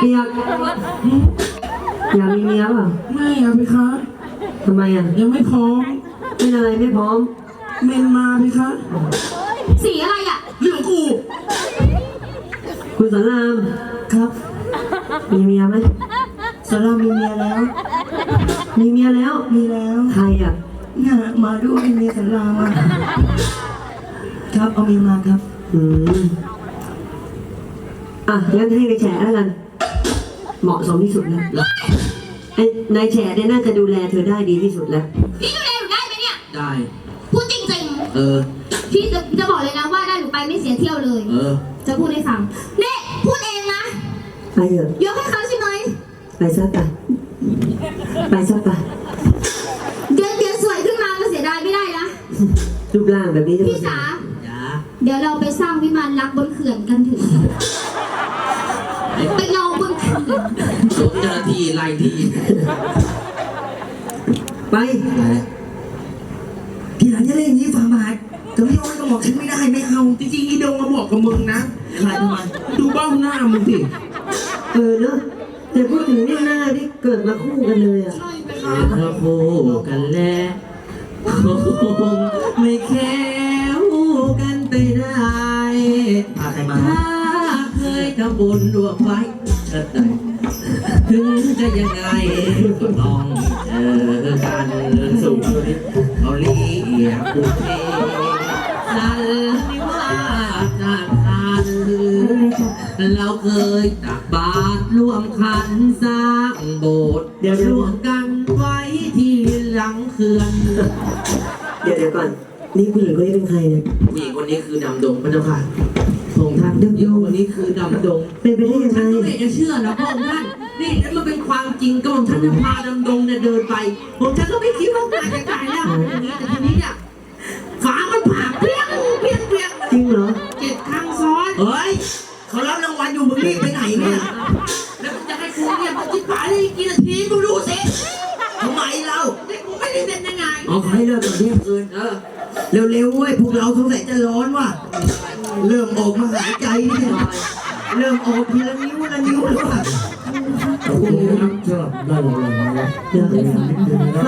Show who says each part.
Speaker 1: อยากมีเมียเปล่า
Speaker 2: ไม่อะพี่คะ
Speaker 1: ทำไมอ่ะ
Speaker 2: ยังไม่พร้อม
Speaker 1: เป็นอะไรไม่พร้อม
Speaker 2: เมนมาพี่คะ
Speaker 3: สีอะไรอ่ะ
Speaker 2: เรื่องกู
Speaker 1: คุณสอนราม
Speaker 2: ครับ
Speaker 1: มีเมียไหม
Speaker 2: สารามีเมียแล้ว
Speaker 1: มีเมียแล้ว
Speaker 2: มีแล้ว
Speaker 1: ใครอ่ะ
Speaker 2: เนี่ยมาด้วยเมียสารามาครับเอาเมียมาครับ
Speaker 1: อืมอ่ะงั้นให้นายแฉแล้วกันเหมาะสมที่สุดแล้วไอ้นายแฉเนี่ยน่าจะดูแลเธอได้ดีที่สุดแล้ว
Speaker 3: พี่ดูแลหนูได้ไหมเนี่ย
Speaker 4: ได้
Speaker 3: พูดจริง พี่จะบอกเลยนะว่าได้หนูไปไม่เสียเที่ยวเลย จะพูดให้ฟังเน่พูดเองนะ
Speaker 1: ไปเถอะ
Speaker 3: ยกให้เขาใช่ไหม
Speaker 1: ไปซะไปไปซะไป
Speaker 3: เดี๋ยวสวยขึ้นมาก็เสียดายไม่ได้นะ
Speaker 1: รูปร่างแบบนี้จะ
Speaker 3: พี่จ๋า
Speaker 4: จ้า
Speaker 3: เดี๋ยวเราไปสร้างวิมานรักบนเขื่อนกันเถึงไปรอบนเขื่อน
Speaker 4: สมเจ้าหน้าที่ไล่ที
Speaker 1: ไป
Speaker 2: ทีหลังจะเล่นอย่างนี้ฝ่าบาทจะไม่ยอมให้กระหม่อมฉันไม่ได้ไม่เอา
Speaker 4: จริงๆอีดงมาบอกกับมึงนะ
Speaker 2: อะไรทำไม
Speaker 4: ดูเบ้าหน้ามึงสิ
Speaker 1: เนอะแต่พูดถึงเนี่ยหน้าที่เกิดมาคู่กันเลยอ่ะ
Speaker 4: เราคู่กันแล้วคงไม่แค้วกันไปได้
Speaker 2: พาใครมา
Speaker 4: ถ้าเคยทำบุญร่วมไว้เถิดใดถึงจะยังไงก็ต้องเจอกันสูงเขาเรียกบุพเพสันนิวาสจากกันเราเคยตักบาตรร่วมขันสร้างโบสถ์ร่วมกันไว้ที่หลังเขื่อน
Speaker 1: เดี๋ยวก่อน นี่ผู้หญิงคนนี้เป็นใครเนี่ย
Speaker 4: ผู้หญิงคนนี้คือดำดงพระเจ้าค่ะพระองค์ท่านดำดงคนนี้คือดำดง
Speaker 1: เป็นไปได้ยังไง
Speaker 4: ฉันก็ไม่จะเชื่อนะพระองค์ท่าน นี่นั่นมันเป็นความจริงก็ผมท่านจะพาดำดงเนี่ยเดินไปผมฉันก็ไม่คิดว่าตายจะตายแล้วอย่างนี้แต่ทีนี้เนี่ยฝามันผ่าเปรี้ยงเปรี้ยงเปรี้ยง
Speaker 1: จริงเหรอ
Speaker 4: 7 ครั้งซ้อน
Speaker 2: เฮ้ยเขารับรางวัลอยู่มึงรีบไปไหนเนี่ย
Speaker 4: แล้วมึงจะให้กูเนี่ยมึงคิดป่าได้กี่นาทีกูดูสิ
Speaker 2: ทำไมเรา
Speaker 4: นี่กูไม่ได้เล่นยังไง
Speaker 2: เอาใครเลิกก่อนเที่ยงคืนเร็วๆเว้ยพวกเราสงสัยจะร้อนว่ะเริ่มออกมาหายใจเนี่ยเริ่มออกทีละนิ้วละนิ้วแล้วว่ะ
Speaker 5: ขอบคุณครับสำหรับได้รางวัลนะครับ